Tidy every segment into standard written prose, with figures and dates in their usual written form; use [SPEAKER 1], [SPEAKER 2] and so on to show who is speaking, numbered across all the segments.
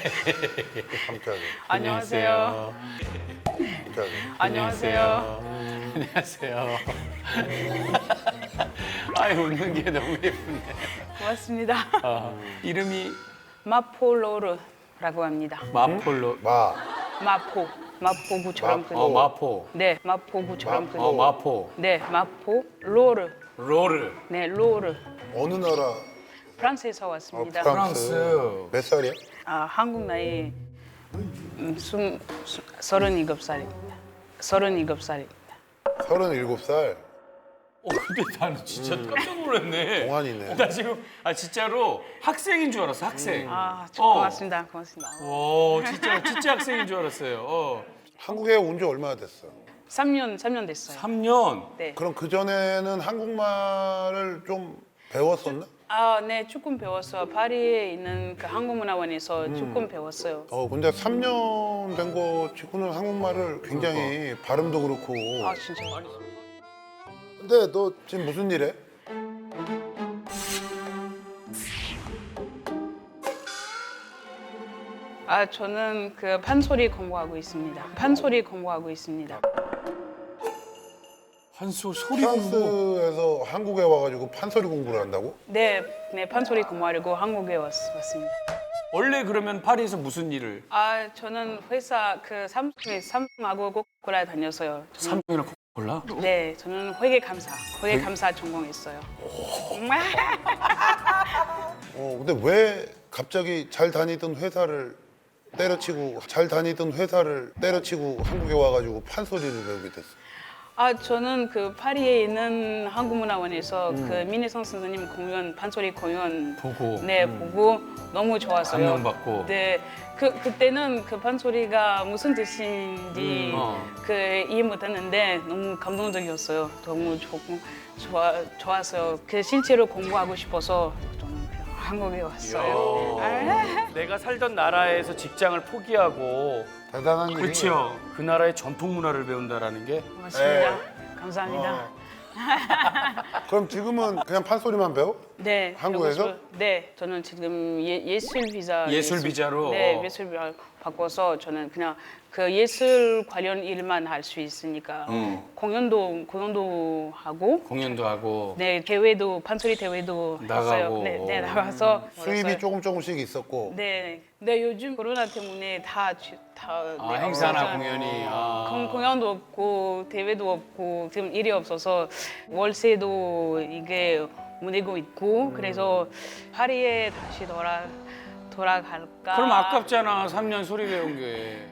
[SPEAKER 1] 깜짝이야.
[SPEAKER 2] 안녕하세요.
[SPEAKER 1] 깜짝이야.
[SPEAKER 2] 안녕하세요.
[SPEAKER 3] 안녕하세요. 아이 웃는 게 너무 예쁘네.
[SPEAKER 2] 고맙습니다.
[SPEAKER 3] 이름이
[SPEAKER 2] 마포로르라고 합니다.
[SPEAKER 3] 마폴로.
[SPEAKER 2] 마포구처럼 그.
[SPEAKER 3] 마포.
[SPEAKER 2] 네, 마포구처럼 그.
[SPEAKER 3] 마포.
[SPEAKER 2] 네, 마포 로르.
[SPEAKER 3] 로르.
[SPEAKER 2] 네, 로르.
[SPEAKER 1] 어느 나라?
[SPEAKER 2] 프랑스에서 왔습니다.
[SPEAKER 3] 프랑스.
[SPEAKER 1] 몇 살이야?
[SPEAKER 2] 한국 나이 37살입니다. 37살입니다.
[SPEAKER 1] 37살.
[SPEAKER 3] 근데 나는 진짜 깜짝 놀랐네.
[SPEAKER 1] 동안이네.
[SPEAKER 3] 나 지금 진짜로 학생인 줄 알았어. 학생.
[SPEAKER 2] 고맙습니다. 고맙습니다.
[SPEAKER 3] 오, 진짜 학생인 줄 알았어요.
[SPEAKER 1] 한국에 온 지 얼마나 됐어?
[SPEAKER 2] 3년 됐어요.
[SPEAKER 3] 3년.
[SPEAKER 2] 네.
[SPEAKER 1] 그럼 그 전에는 한국말을 좀 배웠었나?
[SPEAKER 2] 네, 조금 배웠어요. 파리에 있는 그 한국문화원에서 조금 배웠어요.
[SPEAKER 1] 근데 3년 된 거 치고는 한국말을 굉장히 발음도 그렇고.
[SPEAKER 2] 진짜.
[SPEAKER 1] 근데 너 지금 무슨 일 해?
[SPEAKER 2] 저는 그 판소리 공부하고 있습니다. 판소리 공부하고 있습니다.
[SPEAKER 3] 한소 소리 공부.
[SPEAKER 1] 프랑스에서 한국에 와가지고 판소리 공부를 한다고?
[SPEAKER 2] 네, 판소리 공부하려고 한국에 왔습니다.
[SPEAKER 3] 원래 그러면 파리에서 무슨 일을?
[SPEAKER 2] 저는 회사 그 삼성하고 코카콜라 다녔어요.
[SPEAKER 3] 삼성이랑 코카콜라?
[SPEAKER 2] 네, 저는 회계감사 전공했어요.
[SPEAKER 1] 근데 왜 갑자기 잘 다니던 회사를 때려치고 한국에 와가지고 판소리를 배우게 됐어?
[SPEAKER 2] 저는 그 파리에 있는 한국문화원에서 그 민혜성 선생님 공연, 판소리 공연
[SPEAKER 3] 보고.
[SPEAKER 2] 보고 너무 좋았어요.
[SPEAKER 3] 감명받고.
[SPEAKER 2] 네, 그때는 그 판소리가 무슨 뜻인지 이해 못했는데 너무 감동적이었어요. 너무 좋았어요. 그 실제로 공부하고 싶어서 좀 한국에 왔어요.
[SPEAKER 3] 내가 살던 나라에서 직장을 포기하고
[SPEAKER 1] 대단한 일이야.
[SPEAKER 3] 그렇죠. 그 나라의 전통 문화를 배운다라는 게
[SPEAKER 2] 고맙습니다. 감사합니다.
[SPEAKER 1] 그럼 지금은 그냥 판소리만 배워?
[SPEAKER 2] 네.
[SPEAKER 1] 한국에서?
[SPEAKER 2] 배우고 싶어요. 네, 저는 지금 예술
[SPEAKER 3] 비자로?
[SPEAKER 2] 네, 예술 비자 바꿔서 저는 그냥 그 예술 관련 일만 할 수 있으니까 공연도 하고
[SPEAKER 3] 공연도 하고
[SPEAKER 2] 네, 판소리 대회도
[SPEAKER 3] 나가고.
[SPEAKER 2] 했어요. 네, 나가서
[SPEAKER 1] 수입이
[SPEAKER 2] 벌었어요.
[SPEAKER 1] 조금씩 있었고.
[SPEAKER 2] 네, 요즘 코로나 때문에 다
[SPEAKER 3] 행사나
[SPEAKER 2] 없어서
[SPEAKER 3] 공연이.
[SPEAKER 2] 공연도 없고 대회도 없고 지금 일이 없어서 월세도 이게 못 내고 있고 그래서 파리에 다시 돌아갈까?
[SPEAKER 3] 그럼 아깝잖아. 3년 소리 배운 게.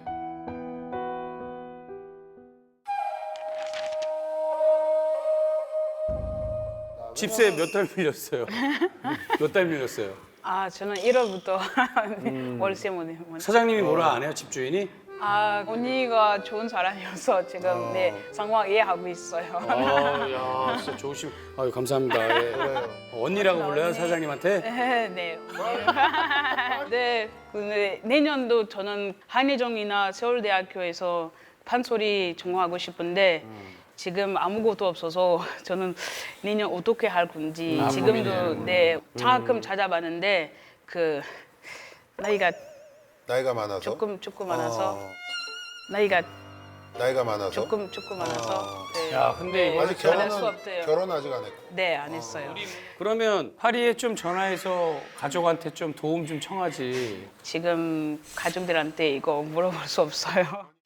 [SPEAKER 3] 집세 몇 달 밀렸어요? 몇 달 밀렸어요?
[SPEAKER 2] 저는 1월부터 월세 못 내.
[SPEAKER 3] 사장님이 뭐라 안 해요? 집주인이?
[SPEAKER 2] 언니가 좋은 사람이어서 지금 상황 이해하고 있어요.
[SPEAKER 3] 야, 진짜 좋으시고. 아유, 감사합니다. 예. 언니라고 불러요, 사장님한테?
[SPEAKER 2] 네. 네. 근데 내년도 저는 한예종이나 서울대학교에서 판소리 전공하고 싶은데 지금 아무것도 없어서 저는 내년 어떻게 할 건지 지금도 장학금 찾아봤는데 그 나이가
[SPEAKER 1] 많아서?
[SPEAKER 2] 조금 많아서 나이가
[SPEAKER 1] 많아서?
[SPEAKER 2] 조금 많아서 네.
[SPEAKER 3] 야, 근데 이거
[SPEAKER 1] 아직
[SPEAKER 2] 할 수 없대요.
[SPEAKER 1] 결혼 아직 안 했고.
[SPEAKER 2] 네, 안 했어요.
[SPEAKER 3] 그러면 파리에 좀 전화해서 가족한테 좀 도움 좀 청하지.
[SPEAKER 2] 지금 가족들한테 이거 물어볼 수 없어요.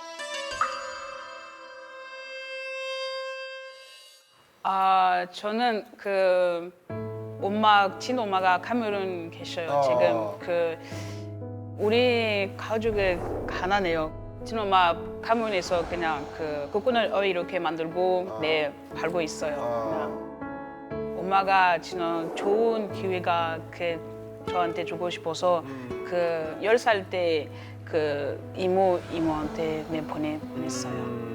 [SPEAKER 2] 저는 그 친엄마가 카메룬 계셔요. 지금 그 우리 가족이 가난해요. 친엄마 카메룬에서 그냥 그 코코넛 이렇게 만들고 팔고 있어요. 그냥. 엄마가 진짜 좋은 기회가 저한테 주고 싶어서 그 10살 때 그 이모한테 보냈어요.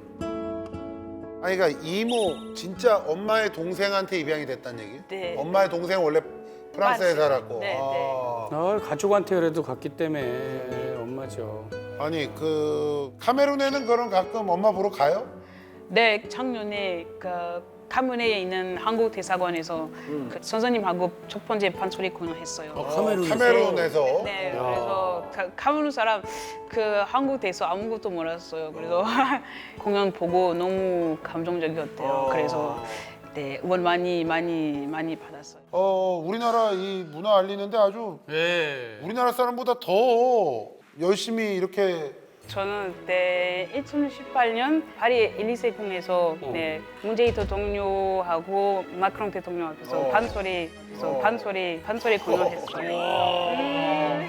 [SPEAKER 1] 그러니까 이모 진짜 엄마의 동생한테 입양이 됐다는 얘기?
[SPEAKER 2] 네.
[SPEAKER 1] 엄마의 동생 원래 프랑스에
[SPEAKER 2] 맞아요.
[SPEAKER 1] 살았고.
[SPEAKER 2] 네,
[SPEAKER 3] 가족한테 그래도 갔기 때문에 엄마죠.
[SPEAKER 1] 아니 그 카메룬에는 그럼 가끔 엄마 보러 가요?
[SPEAKER 2] 네, 작년에 그 카메룬에 있는 한국 대사관에서 그 선생님하고 첫 번째 판소리 공연했어요.
[SPEAKER 1] 카메룬에서.
[SPEAKER 2] 네, 그래서 카메룬 사람 그 한국 대해서 아무것도 몰랐어요. 그래서 공연 보고 너무 감동적이었대요. 그래서 네, 응원 많이 받았어요.
[SPEAKER 1] 우리나라 이 문화 알리는데 아주
[SPEAKER 3] 예.
[SPEAKER 1] 우리나라 사람보다 더 열심히 이렇게
[SPEAKER 2] 저는 그때 2018년 파리 엘리세궁에서 네, 문재인 대통령하고 마크롱 대통령 앞에서 판소리 공연했어요.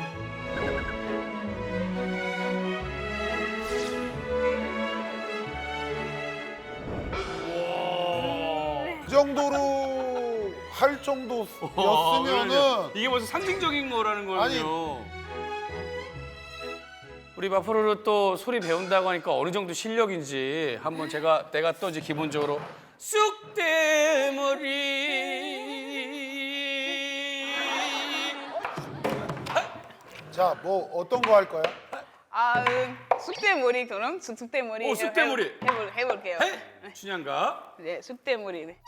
[SPEAKER 1] 그 정도로 할 정도였으면은
[SPEAKER 3] 이게 벌써 상징적인 거라는 거군요.
[SPEAKER 1] 아니.
[SPEAKER 3] 우리 마포로를 또 소리 배운다고 하니까 어느 정도 실력인지 한번 내가 또 이제 기본적으로 쑥대머리
[SPEAKER 1] 자, 뭐 어떤 거 할 거야?
[SPEAKER 2] 쑥대머리 그럼 쑥대머리.
[SPEAKER 3] 쑥대머리.
[SPEAKER 2] 해볼게요.
[SPEAKER 3] 춘향가
[SPEAKER 2] 네, 쑥대머리. 네.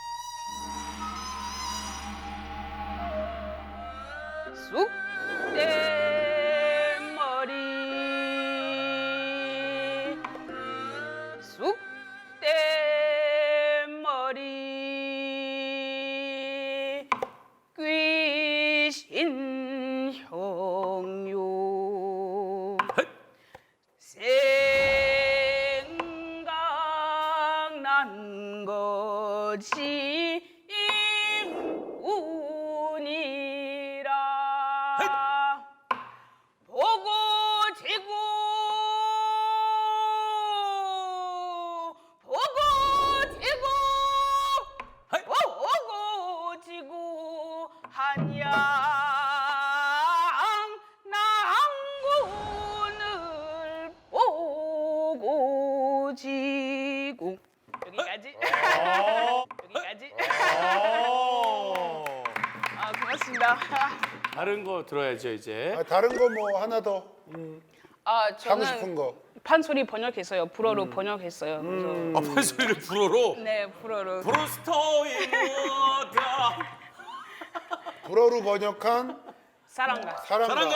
[SPEAKER 2] 쑥대머리 귀신 형요 생각난 것이 운이라 보고 지고 한양 남군을 보고 지고 여기까지. 여기까지. 고맙습니다.
[SPEAKER 3] 다른 거 들어야죠 이제.
[SPEAKER 1] 다른 거 뭐 하나 더 하고
[SPEAKER 2] 저는
[SPEAKER 1] 싶은 거.
[SPEAKER 2] 판소리 번역했어요. 불어로 번역했어요. 그래서
[SPEAKER 3] 판소리를 불어로.
[SPEAKER 2] 네, 불어로.
[SPEAKER 3] 브루스터이 뭐다.
[SPEAKER 1] 불어로 번역한
[SPEAKER 2] 사랑가.
[SPEAKER 1] 사랑가.
[SPEAKER 3] 사랑가.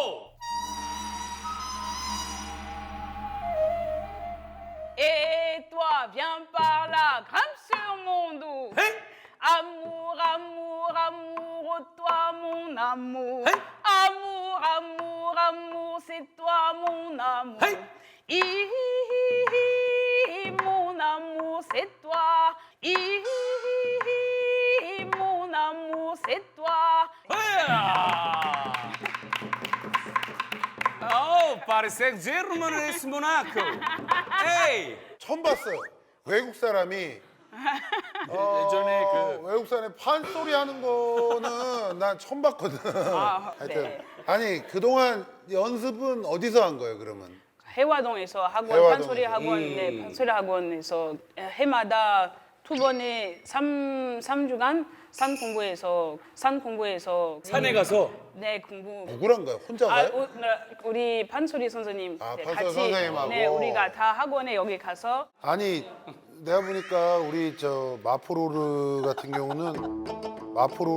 [SPEAKER 2] Et toi, viens par là, grimpe sur mon dos.
[SPEAKER 3] Hey!
[SPEAKER 2] Amour, amour, amour, toi mon amour.
[SPEAKER 3] Hey!
[SPEAKER 2] Amour, amour, amour, c'est toi mon amour.
[SPEAKER 3] Hey!
[SPEAKER 2] Mon amour, c'est toi. Mon amour, c'est toi.
[SPEAKER 3] 파리색 제르머니스 모나코. 에이.
[SPEAKER 1] 처음 봤어요. 외국 사람이
[SPEAKER 3] 예전에
[SPEAKER 1] 외국 사람이 판소리 하는 거는 난 처음 봤거든. 하여튼
[SPEAKER 2] 네.
[SPEAKER 1] 아니 그동안 연습은 어디서 한 거예요 그러면?
[SPEAKER 2] 해화동에서 학원
[SPEAKER 1] 해화동에서.
[SPEAKER 2] 판소리 학원 네 판소리 학원에서 해마다 두 번에 3주간 산 공부해서
[SPEAKER 3] 산에 가서
[SPEAKER 2] 네 공부
[SPEAKER 1] 누구랑 가요? 혼자 가요?
[SPEAKER 2] 우리 판소리 선생님 네,
[SPEAKER 1] 판소리
[SPEAKER 2] 같이
[SPEAKER 1] 선생님하고.
[SPEAKER 2] 네 우리가 다 학원에 여기 가서
[SPEAKER 1] 아니 내가 보니까 우리 저 마포로르 같은 경우는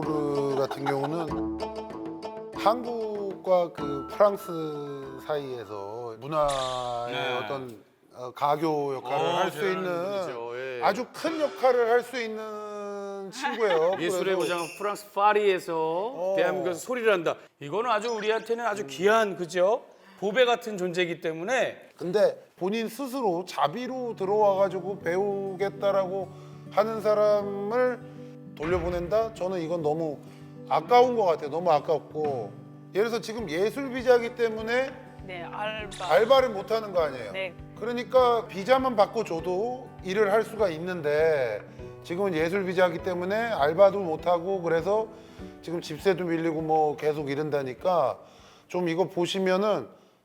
[SPEAKER 1] 한국과 그 프랑스 사이에서 문화의
[SPEAKER 3] 네.
[SPEAKER 1] 어떤 가교 역할을 할 수 있는
[SPEAKER 3] 그렇죠. 예.
[SPEAKER 1] 아주 큰 역할을 할 수 있는 친구예요.
[SPEAKER 3] 예술의
[SPEAKER 1] 그래서
[SPEAKER 3] 고장 프랑스 파리에서 대한민국에서 소리를 한다. 이거는 아주 우리한테는 아주 귀한 그죠? 보배 같은 존재이기 때문에
[SPEAKER 1] 근데 본인 스스로 자비로 들어와가지고 배우겠다라고 하는 사람을 돌려보낸다? 저는 이건 너무 아까운 것 같아요. 너무 아깝고 예를 들어서 지금 예술 비자기 때문에
[SPEAKER 2] 네 알바
[SPEAKER 1] 알바를 못 하는 거 아니에요.
[SPEAKER 2] 네
[SPEAKER 1] 그러니까 비자만 받고 줘도 일을 할 수가 있는데 지금은 예술 비자기 때문에 알바도 못 하고 그래서 지금 집세도 밀리고 뭐 계속 이런다니까 좀 이거 보시면은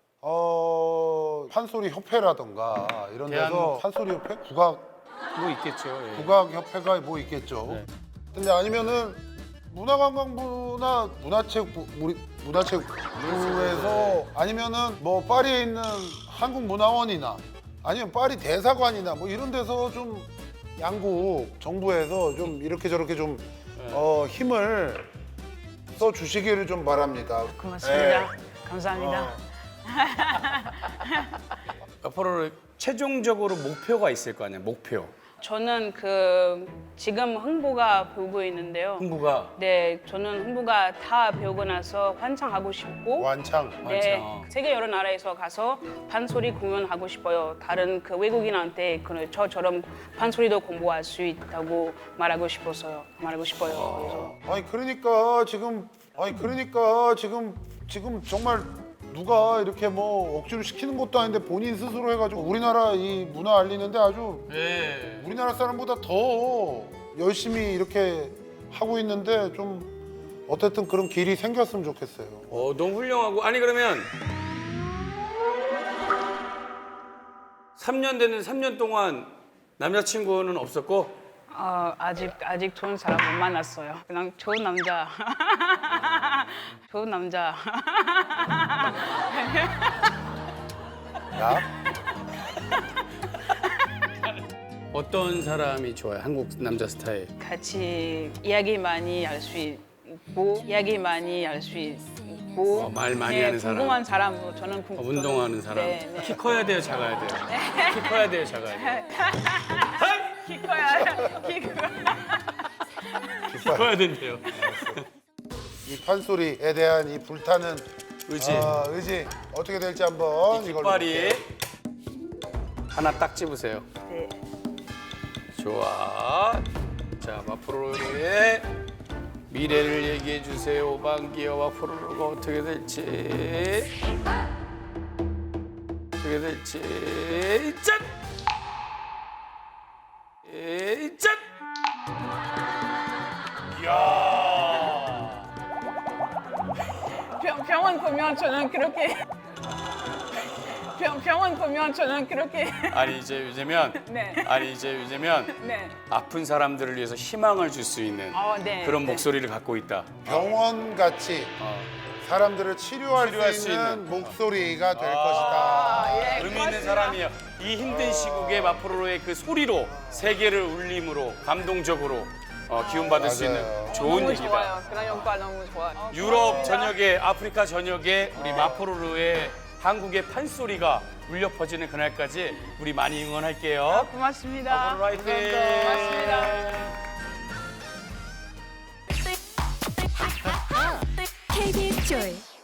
[SPEAKER 1] 판소리 협회라던가 이런 데서
[SPEAKER 3] 대한-
[SPEAKER 1] 판소리 협회? 국악
[SPEAKER 3] 뭐 있겠죠. 예.
[SPEAKER 1] 국악 협회가 뭐 있겠죠.
[SPEAKER 3] 네.
[SPEAKER 1] 근데 아니면은 문화관광부나 문화체육부에서 아니면은 뭐 파리에 있는 한국문화원이나 아니면 파리 대사관이나 뭐 이런 데서 좀 양국 정부에서 좀 이렇게 저렇게 좀 힘을 써 주시기를 좀 바랍니다.
[SPEAKER 2] 고맙습니다.
[SPEAKER 1] 네.
[SPEAKER 2] 감사합니다.
[SPEAKER 3] 앞으로 최종적으로 목표가 있을 거 아니야, 목표.
[SPEAKER 2] 저는 지금 흥부가 배우고 있는데요.
[SPEAKER 3] 흥부가
[SPEAKER 2] 네, 저는 흥부가 다 배우고 나서 환창하고 싶고
[SPEAKER 1] 완창.
[SPEAKER 2] 네,
[SPEAKER 3] 완창.
[SPEAKER 2] 세계 여러 나라에서 가서 판소리 공연하고 싶어요. 다른 외국인한테 저처럼 판소리도 공부할 수 있다고 말하고 싶어요. 그래서
[SPEAKER 1] 아니 그러니까 지금 정말 누가 이렇게 뭐 억지로 시키는 것도 아닌데 본인 스스로 해가지고 우리나라 이 문화 알리는데 아주
[SPEAKER 3] 네.
[SPEAKER 1] 우리나라 사람보다 더 열심히 이렇게 하고 있는데 좀 어쨌든 그런 길이 생겼으면 좋겠어요.
[SPEAKER 3] 너무 훌륭하고 아니 그러면 3년 되는 3년 동안 남자친구는 없었고
[SPEAKER 2] 아직 좋은 사람 못 만났어요. 그냥 좋은 남자. 좋은 남자.
[SPEAKER 1] 야?
[SPEAKER 3] 어떤 사람이 좋아요? 한국 남자 스타일.
[SPEAKER 2] 같이 이야기 많이 할 수 있고
[SPEAKER 3] 말 많이 하는 사람.
[SPEAKER 2] 궁금한 사람으로 저는
[SPEAKER 3] 운동하는 사람.
[SPEAKER 2] 네, 네.
[SPEAKER 3] 키 커야 돼요, 작아야 돼요? 키 커야 돼요, 작아야 돼요?
[SPEAKER 2] 키 커야
[SPEAKER 3] 키 커야 된대요.
[SPEAKER 1] 이 판소리에 대한 이 불타는
[SPEAKER 3] 의지.
[SPEAKER 1] 의지 어떻게 될지 한번 이걸
[SPEAKER 3] 깃발이 하나 딱 집으세요.
[SPEAKER 2] 네.
[SPEAKER 3] 좋아. 자, 마프로의 미래를 얘기해 주세요. 오방기어 마프로가 어떻게 될지. 어떻게 될지. 짠! 짠!
[SPEAKER 2] 병원 보면 저는 그렇게 병원 보면 저는 그렇게
[SPEAKER 3] 아니 이제 요즘면
[SPEAKER 2] 네. 네.
[SPEAKER 3] 아픈 사람들을 위해서 희망을 줄 수 있는
[SPEAKER 2] 네.
[SPEAKER 3] 그런
[SPEAKER 2] 네.
[SPEAKER 3] 목소리를 갖고 있다.
[SPEAKER 1] 병원 같이 사람들을 치료할 수 있는 목소리가 될 것이다.
[SPEAKER 2] 예,
[SPEAKER 3] 의미 있는 사람이에요. 이 힘든 시국에 마프로의 그 소리로 세계를 울림으로 감동적으로 기운받을 수 있는
[SPEAKER 1] 맞아요.
[SPEAKER 3] 좋은
[SPEAKER 2] 너무
[SPEAKER 3] 얘기다.
[SPEAKER 2] 좋아요. 그런 효과 너무 좋아요.
[SPEAKER 3] 유럽 전역에 아프리카 전역에 우리 마프로의 한국의 판소리가 울려 퍼지는 그날까지 우리 많이 응원할게요.
[SPEAKER 2] 고맙습니다.
[SPEAKER 3] 마프로 화이팅!
[SPEAKER 2] 고맙습니다.
[SPEAKER 4] KBS 조이